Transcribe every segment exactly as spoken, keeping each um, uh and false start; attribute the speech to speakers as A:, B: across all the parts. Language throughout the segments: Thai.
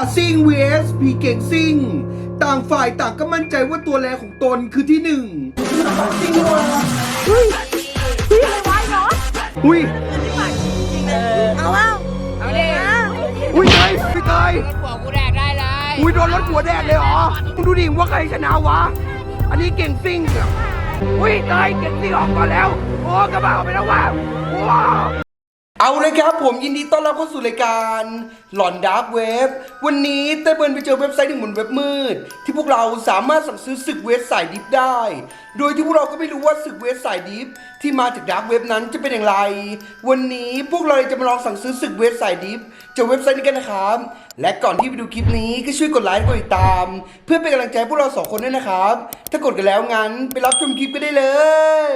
A: ะซิ่ง vs ผีเก่งซิ่งต่างฝ่ายต่างก็มั่นใจว่าตัวแรงของตนคือที่หนึ่งซิ่งว่ะเฮ้ยเฮ้ยอะไรวะเนาะอุ้ย
B: เอาเอา
C: เอาดิ
A: อุ้ยเตยพี่เตย
C: หัวกูแดกได้เลย
A: อุ้ยโดนรถหัวแดกเลยเหรอมึงดูดิว่าใครชนะวะอันนี้เก่งซิ่งอุ้ยเตยเก่งซิ่งออกก่อนแล้วโอ้กระบะออกไปแล้วว่ะว้าวเอาเลยครับผมยินดีต้อนรับเข้าสู่รายการหลอนดาร์กเว็บวันนี้เต้เบิร์นไปเจอเว็บไซต์หนึ่งบนเว็บมืดที่พวกเราสามารถสั่งซื้อศึกเว็บสายดิฟได้โดยที่พวกเราก็ไม่รู้ว่าศึกเว็บสายดิฟที่มาจากดาร์กเว็บนั้นจะเป็นอย่างไรวันนี้พวกเราจะมาลองสั่งซื้อศึกเว็บสายดิฟจากเว็บไซต์นี้กันนะครับและก่อนที่ไปดูคลิปนี้ก็ช่วยกดไลค์กดติดตามเพื่อเป็นกำลังใจพวกเราสองคนด้วยนะครับถ้ากดกันแล้วงั้นไปรับชมคลิปกันได้เลย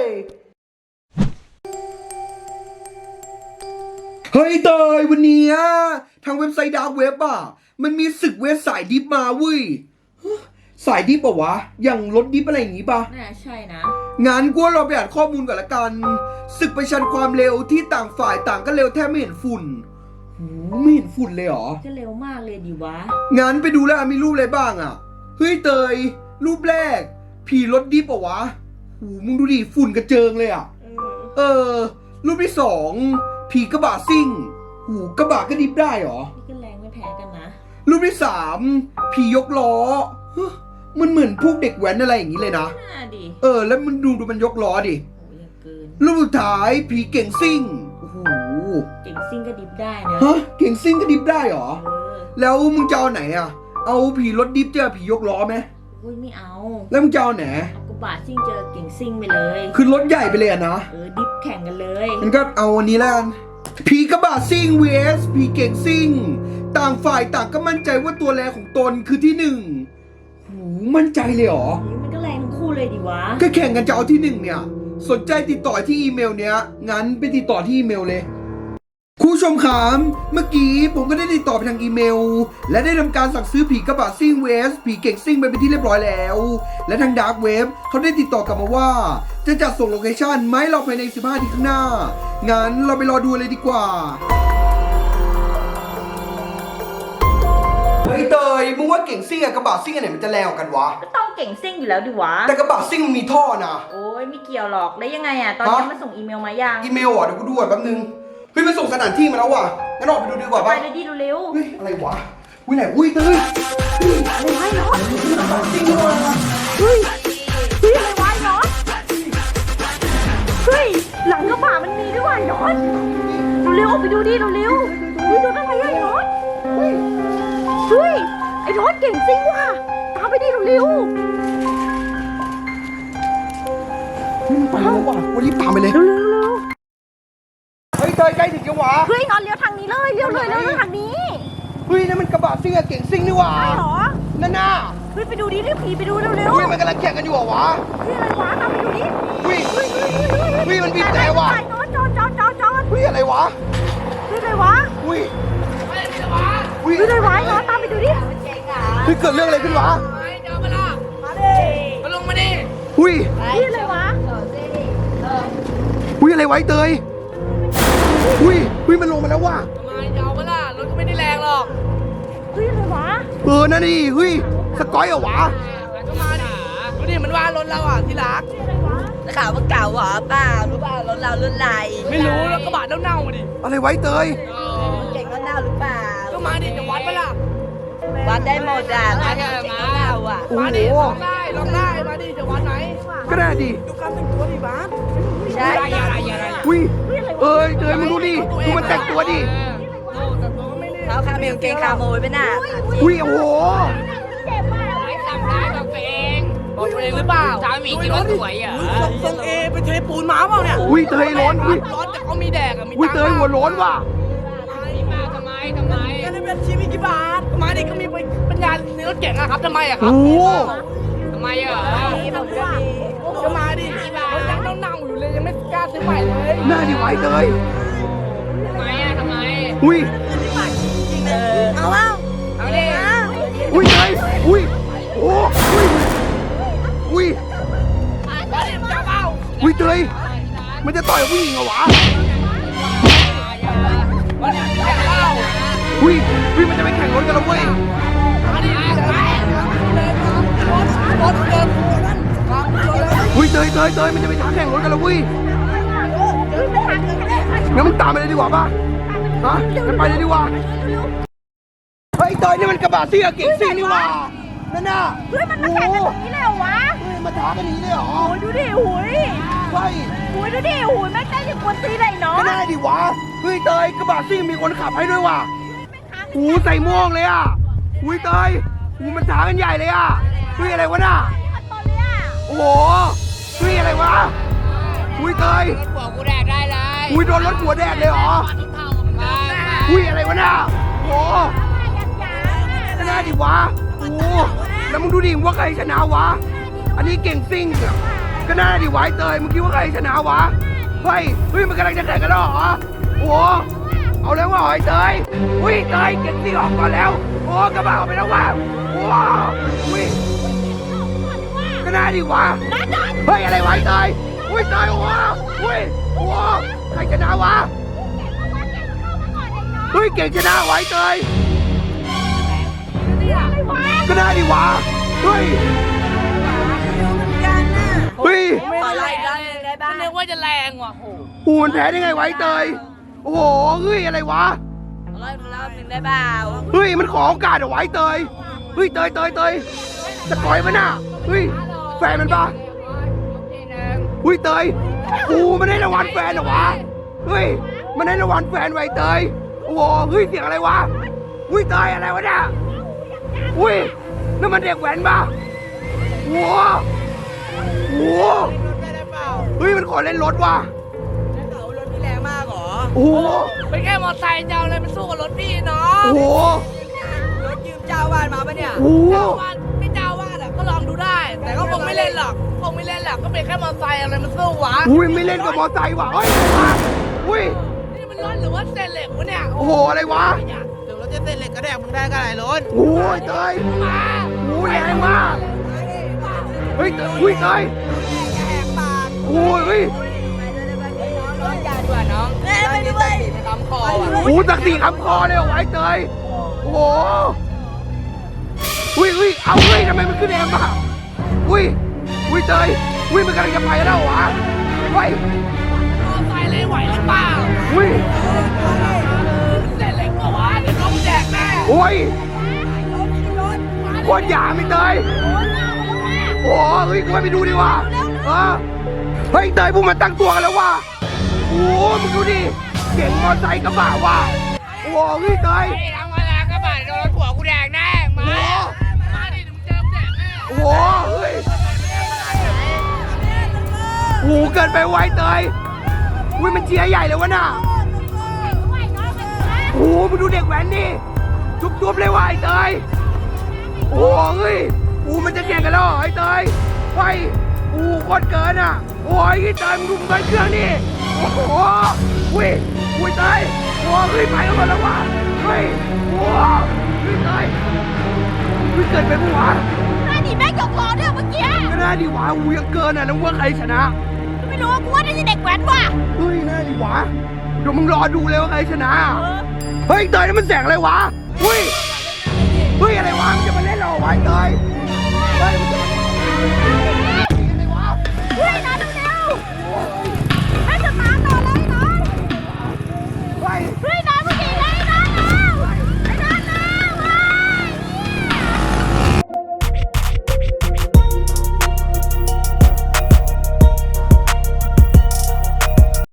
A: เฮ้ยเตยวันนี้ทางเว็บไซต์ดาร์กเว็บอ่ะมันมีศึกเว็บสายดิฟมาเว้ยสายดิฟปะวะอย่างรถดิฟอะไรอย่างงี้ปะ
B: น่าใช่นะ
A: งั้นกูเราไปอ่านข้อมูลก่อนละกันศึกประชันความเร็วที่ต่างฝ่ายต่างก็เร็วแทบไม่เห็นฝุ่นหูไม่เห็นฝุ่นเลยเหรอ
B: ก็เร็วมากเลยดิวะ
A: งั้นไปดูแล้วมีรูปอะไรบ้างอ่ะเฮ้ยเตยรูปแรกผีรถดิฟปะวะหูมึงดูดิฝุ่นกระเจิงเลยอ่ะเออรูปที่สองผีกระบะซิ่งหูกระบะก็ดิฟได้เหรอ
B: นี่ก็แรงไม่แพ้กันนะ
A: รูปที่สามผียกล้อมันเหมือนพวกเด็กแว้นอะไรอย่างนี้เลยนะ
B: น่าดิ
A: เออแล้วมันดูดูมันยกล้อดิ
B: โอ้ยเกิน
A: รูปสุดท้ายผีเก่งซิ่งโอ้โห
B: เก่งซิ่งก็ดิฟได้นะ
A: ฮะเก่งซิ่งก็ดิฟได้เหรอ
B: เออ
A: แล้วมึงจะเอาไหนอ่ะเอาผีรถดิฟเจอผียกล้อไหม
B: โอ้ยไม่เอา
A: แล้วมึงจะเอาไหน
B: เอากระบะซิ่งเจอเก่งซิ่งไปเลย
A: คือรถใหญ่ไปเลยอะนะ
B: เออดิฟแข่งกันเลย
A: งั้นก็เอาวันนี้แล้วกันผีกระบะซิ่ง vs ผีเก่งซิ่งต่างฝ่ายต่างก็มั่นใจว่าตัวแรงของตนคือที่หนึ่งหูมั่นใจเลยเหรอ
B: มันก็แรงทั้งคู่เลยดิวะ
A: ก็แข่งกันจะเอาที่หนึ่งเนี่ยสนใจติดต่อที่อีเมลเนี้ยงั้นไปติดต่อที่อีเมลเลยคุณผู้ชมครับเมื่อกี้ผมก็ได้ติดต่อไปทางอีเมลและได้ทำการสั่งซื้อผีกระบะซิ่ง vs ผีเก่งซิ่งไปเป็นที่เรียบร้อยแล้วและทางดาร์กเว็บเขาได้ติดต่อกลับมาว่าจะจัดส่งโลเคชั่นไหมเราภายในสิบห้านาทีข้างหน้างั้นเราไปรอดูเลยดีกว่าเฮ้ยเตยมึงว่าเก่งซิ่งกับกระบะซิ่งอันไหนมันจะแรงกว่ากันวะ
B: ก็ต้องเก่งซิ่งอยู่แล้วดิวะ
A: แต่กระบะซิ่งมันมีท่อนะ
B: โอ้ยไม่เกี่ยวหรอกแล้วยังไงอ่ะตอนนี้มันส่งอีเมลมายัง
A: อีเมลอ่ะเดี๋ยวกูดูก่อนแป๊บนึงเฮ้ยมันส่งสถานที่มาแล้วว่ะงั้นออกไปดูดีกว่าป่ะ
B: ไปเลยดิเร็ว
A: เฮ้ยอะไรวะอุ้ยไหนอุ้ยเตยเฮ้ยอะไรวะเนาะจริงว่ะเฮ้ย
B: เฮ้ยอะไรวะเนาะเฮ้ยหลังกระบะมันมีด้วยเนาะเร็วๆออกไปดูดิเร็วๆเฮ้ยดูอะไรอ่ะเนาะเฮ้ยเฮ้ยไอ้รถเก่งซิ่งว่ะตามไปดิเร็ว
A: เฮ้ยมันไปแล้วว่ะวันนี้ตามไปเลย
B: เร็วๆเร็ว
A: เฮ้ยเตยใกล้ถึงยังวะ
B: เฮ้ยนอนเลี้ยวทางนี้เลยเลี้ยวเลยเลี้ยวทางนี้
A: เฮ้ยนั่นมันกระบะซิ่งกับเก่งซิ่งนี่หว่า
B: ใช่หรอ
A: นั่นน่ะ
B: เฮ้ยไปดูดิเรียกผีไปดูเร็วเร็ว
A: เฮ้ยมันกำลังแข่งกันอยู่เหรอวะ
B: เฮ้ยอะไรวะตามไปดูดิ
A: เฮ้ยเฮ้ยเฮ้ยมันบีบแต่ว่ะ
B: จอดจอดจอดจอด
A: เฮ้ยอะไรวะ
B: เฮ้ยอะไรวะ
A: เฮ้ย
B: เฮ้ยอะไรวะนอนตามไปดูดิ
A: เฮ้ยเกิดเรื่องอะไรขึ้นวะ
C: เดี๋ยวมาละมาดิมาลงมาดิ
A: เฮ้ย
B: เฮ้ยอะไรวะ
A: เฮ้ยอะไรไว้เตยอุ้ยอุ้ยมันลงมาแล้วว่ะ
C: ทำไมจะเอาเวลารถก็ไม่ได้แรงหรอก
B: เฮ้ยอะไรวะ
A: เออนั่นดิเฮ้ยสกอยเหรอวะ
C: ก็มาดิดูดิมันว่ารถเราอ่ะที่รัก
B: จะข่าวว่าเก่าเหรอเปล่ารู้เปล่ารถเรารุ่นไร
C: ไม่รู้แล้วกระบะเน่าๆมาดิ
A: อะไรไว้เตย
B: เก่งก็เน่าหรือเปล่า
C: ก็มาดิจะวัดปะล่ะ
B: วัดได้หมดอ่ะวัดเก่งก็เน่าอ่ะ
C: มาดิลองได้ลองได้มาดิจะวัดไหน
A: ก็ได้ดิ
C: ดูการแต่งตัวดิบ้าน
B: ใช่
A: อุ้ยเอ้ยเตยมึงดูดิดูมันแต่งตัวดิ
B: เขาคาเมลเก่งคาโมยไปน่ะ
A: อุ้ยโอ้โห
C: เจ็บมากไอ้ทำได้กับตัวเองบอกตัวเองหรือเปล่าสามีคิดว่าสวยอ่ะทรงเอไปเทปูนม้าเปล่าเนี่ย
A: อุ้ยเตยร้อนอุ้ย
C: ร้อนแต่เขามีแดกอ่ะมี
A: อุ้ยเตยหัวร้อนว่ะ
C: มาทำไมทำไมก็ได้เป็นชีวิตกี่บาทมาดิก็มีปัญญาในรถเก๋งอะครับทำไมอะครับทำไมอะก็มาดิรถยังเน่าๆอยู่เลยยังไม่กล้าซื้อใหม่เลย
A: น่าดิไว้เตย
C: ทำไมอะทำไม
A: อุ้ย
B: เอาเอา
C: เอาดิ
A: อุ้ยเตยอุ้ยโอ้อุ้ยอุ้ยอุ้ยเตยมันจะต่อยผู้หญิงเหรอวะ
C: อุ้
A: อุ้ยอุ้ยมันจะไปแข่งรถกันแล้วเว้ย
C: มาดิไปเลยรถรถเดินนั่นครับชนเลย
A: อุ้ยเตยเตยเตยมันจะไปท้าแข่งรถกันแล้วเว้ย
B: เฮ้ยมันทางกันได้
A: งั้นมึงตามไปเลยดีกว่าป่ะฮะงั้นไปเลยดีกว่าเฮ้ยเตยนี่มันกระบะซิ่งกับเก่งซิ่งนี่หว่านั่นน่ะ
B: เฮ้ยมันมาแข่งกันตรงนี้เลยเหรอวะ
A: เฮ้ยมาท้ากันนี้เลยเหรอ
B: โอ้ยดูดิหุย
A: เฮ้ย
B: หุยดูดิหุยแม่งได้ถึงคนตีเลยเนาะ
A: ก็ได้ดิวะเฮ้ยเตยกระบะซิ่งมีคนขับให้ด้วยว่ะหูใส่ม่วงเลยอ่ะอุ้ยเตยหูมันท้ากันใหญ่เลยอ่ะเฮ้ยอะไรวะน่ะ
B: ขันตอนเลยอ่ะ
A: โอ้โหเฮ้ยอะไรวะอุ้ยเตย
C: หัวกูแดกได้เลย
A: อุ้ยโดนรถหัวแดดเลยเหรอ
C: มา
A: อุ้ยอะไรวะน่ะโอ้โห
B: ยังยัง
A: ก็ได้ดิวะโอ้โหแล้วมึงดูดิว่าใครชนะวะอันนี้เก่งซิ่งอะก็น่าดิวะไอ้เตยมึงคิดว่าใครชนะวะเฮ้ยเฮ้ยมันกำลังจะแข่งกันแล้วเหรอโอ้โหเอาแล้วว่ะไอ้เตยอุ้ยเตยเก่งซิ่งออกก่อนแล้วโอ้กระบะออกไปแล้วว่ะโอ้อุ้ยก็น่าดิวะเฮ้ยอะไรวะไอ้เตยอุ้ยเตยโอ้โหอุ้ยโอ้โหใครชนะวะเฮ้ยเก่งชนะไวะไอ้เตยก็ได้ดิวะเฮ้ยเฮ้ย
C: ไม่อะไรกันได้บ้างนึกว่าจะแรงว่ะโห
A: หูมันแพ้ได้ไงไวะไอ้เตยโอ้โหเฮ้ยอะไรวะ
C: ร้อยรอบหนึ่งได้เปล่า
A: เฮ้ยมันขอโอกาสเอาไว้เตยเฮ้ยเตยเตยเตยจะต่อยมันน่ะเฮ้ยแฟนมันปะเฮ้ยเตยกูมันได้รางวัลแฟนเหรอวะเฮ้ยมันได้รางวัลแฟนไว้เตยโอ้โหเฮ้ยเสียงอะไรวะเฮ้ยเตยอะไรวะเนี่ยเฮ้ยนั่นมันเด็กแว้นปะโอ้โหโอ้โห
C: ได้เปล่า
A: เฮ้ยมันขอเล่นรถว่ะ
C: เขารถพี่แรงมากหรอ
A: โอ้โห
C: เป็นแค่มอเตอร์ไซค์เจ้าเลยมันสู้กับรถพี่เนาะ
A: โอ้โห
C: รถยืมเจ้าวาดมาปะเนี่ย
A: โอ้โห
C: เจ้าวาดไม่เจ้าวาดอ่ะก็ลองดูได้ แต่ก็คงไม่เล่นหรอกคงไม่เล่นหรอกก็เป็นแค่มอเตอร์ไซค์อะไรมันสู้วะ
A: อุ้ยไม่เล่นกับมอไซค์ว่ะเฮ้ยอุ้ย
C: นี่มันรถหรือว่าเศษเหล็กวะเนี่ย
A: โอ้โหอะไรวะ
C: เดี๋ยวรถจะเศษเหล็กก็แดกมึงได้ก็ไหนรถ
A: โอ้ยเตย
C: มา
A: โอ้ยแรงมากเฮ้ยเตยอุ้ยเตย
C: แหกปาก
A: โอ้ยเฮ้ย
C: น้องยาดีกว่าน้องเล่นไปด้วยไปคำคอว่ะ
A: โอ้โหตักสีคำคอเลยเหรอไอ้เตยโอ้โหอุ้ยอุ้ยเอาเฮ้ยทำไมมันขึ้นแอมอ่ะอุ้ยอุ้ยเตยอุ้ยมันกำลังจะไปแล้ววะเฮ้ย
C: มอไซค์เลยไหวหรือเปล่า
A: อุ้ย
C: เศษเหล็กก็วะเดี๋ยวน้องแดกแน่
A: โอ้ยโคตรหยาไม่เตยโอ้เฮ้ยกูไปดูดิวะเออเฮ้ยเตยพวกมันตั้งตัวกันแล้วว่ะโอ้มึงดูดิเก่งมอไซค์กระบะว่ะโอ้เฮ้ยเตย
C: ไอ้ทำอะไรก็บาดโดนหัวกูแดกแน่มา มาดิมึงเจอแดกแน่
A: โอ้โหเฮ้ยโอ้โหเกินไปไวเตยอุ้ยมันเชียร์ใหญ่เลยวะน่ะโอ้โหมึงดูเด็กแว้นดิจุ๊บๆเลยว่ะไอ้เตยโอ้โหเฮ้ยโอ้มันจะแข่งกันแล้วเหรอไอ้เตยไปโอ้โคตรเกินอ่ะโอ้ยไอ้เตยมึงดูมึงเครื่องนี่โอ้โหอุ้ยอุ้ยเตยโอ้เฮ้ยไปกันหมดแล้วว่ะเฮ้ยโอ้เฮ้ยเตยเฮ้ยเกินไปปะวะ
B: หน้าหนีแม่งยกล้อด้วยเมื่อกี้
A: ก็น่าดีวะอูยังเกินอ่ะแล้วว่าใครชนะ
B: ไม่รู้กูว่าน่าจะเด็กแว้นว่ะ
A: เฮ้ยน่าดีวะเดี๋ยวมึงรอดูเลยว่าใครชนะ เฮ้ยเตยนั่นมันแสงอะไรวะเฮ้ย